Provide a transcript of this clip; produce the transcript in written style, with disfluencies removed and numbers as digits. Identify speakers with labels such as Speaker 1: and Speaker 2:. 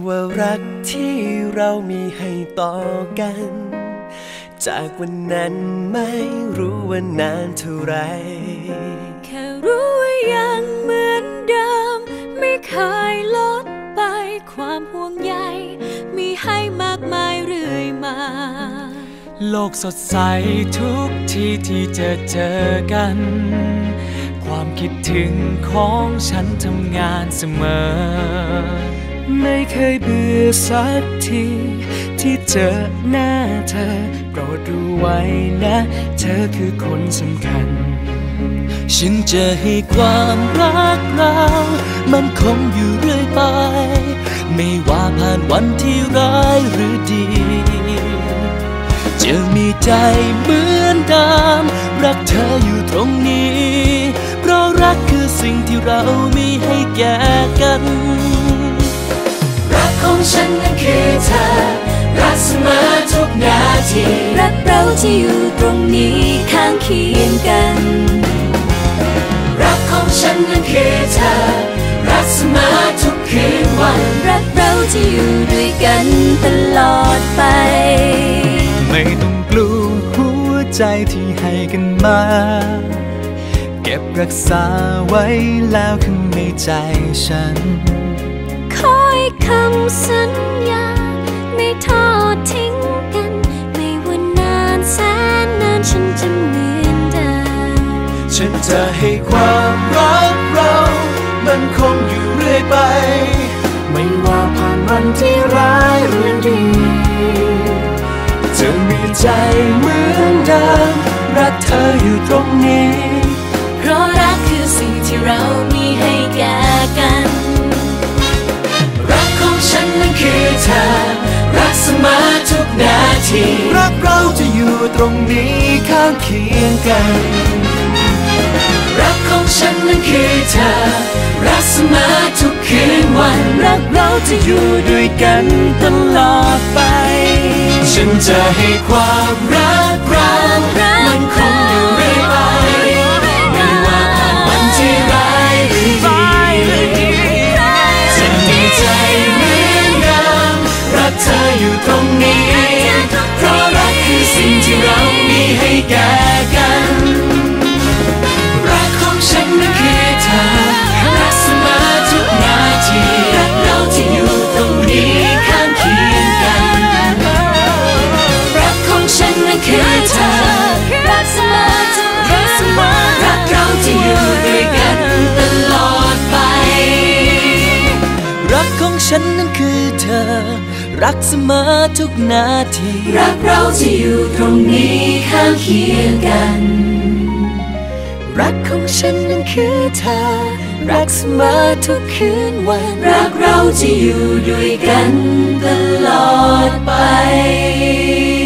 Speaker 1: ว่ารักที่เรามีให้ต่อกันจากวันนั้นไม่รู้ว่านานเท่าไร
Speaker 2: แค่รู้ว่ายังเหมือนเดิมไม่เคยลดไปความห่วงใยมีให้มากมายเรื่อยมา
Speaker 3: โลกสดใสทุกทีที่เจอกันความคิดถึงของฉันทำงานเสมอไม่เคยเบื่อสักทีที่เจอหน้าเธอโปรดรู้ไว้นะเธอคือคนสำคัญฉันจะให้ความรักเรามันคงอยู่เรื่อยไปไม่ว่าผ่านวันที่ร้ายหรือดีจะมีใจเหมือนเดิมรักเธออยู่ตรงนี้เพราะรักคือสิ่งที่เรามีให้แก่กัน
Speaker 2: รักของฉันนั้นคือเธอรักเสมอทุกนาทีรักเราที่อยู่ตรงนี้ข้างเคียงกันรักของฉันนั้นคือเธอรักเสมอทุกคืนวันรักเราที่อยู่ด้วยกันตลอดไป
Speaker 3: ไม่ต้องกลัวหัวใจที่ให้กันมาเก็บรักษาไว้แล้วข้างในใจฉัน
Speaker 2: ขอให้คำสัญญาไม่ทอดทิ้งกันไม่ว่านานแสนนานฉันจะเหมือนเดิม
Speaker 1: ฉันจะให้ความรักเรามันคงอยู่เรื่อยไปไม่ว่าผ่านวันที่ร้ายหรือดีจะมีใจเหมือนเดิมรักเธออยู่ตรงนี้
Speaker 2: เพราะรักคือสิ่งที่เรามีให้แก่กันรักของฉันนั้นคือเธอรักเสมอทุกนาที
Speaker 1: รักเราจะอยู่ตรงนี้ข้างเคียงกัน
Speaker 2: รักของฉันนั้นคือเธอรักเสมอทุกคืนวัน
Speaker 1: รักเราจะอยู่ด้วยกันตลอดไปฉันจะให้ความรักเรามันคงอยู่เรื่อยไปไม่ว่าผ่านวันที่ร้ายหรือดีจะมีใจเหมือนเดิมรักเธออยู่ตรงนี้เพราะรักคือสิ่งที่เรามีให้แก่กันรักของฉันนั้นคือเธอรักเสมอทุกนาทีรักเราที่อยู่ตรงนี้ข้างเคียงกันรักของฉันนั้นคือเธอรักเสมอทุกคืนวันรักเราที่อยู่ด้วยกันตลอดไป
Speaker 3: รักของฉันนั้นคือเธอรักเสมอทุกนาที
Speaker 2: รักเราที่อยู่ตรงนี้ข้างเคียงกัน
Speaker 1: รักของฉันนั้นคือเธอรักเสมอทุกคืนวัน
Speaker 2: รักเราที่อยู่ด้วยกันตลอดไป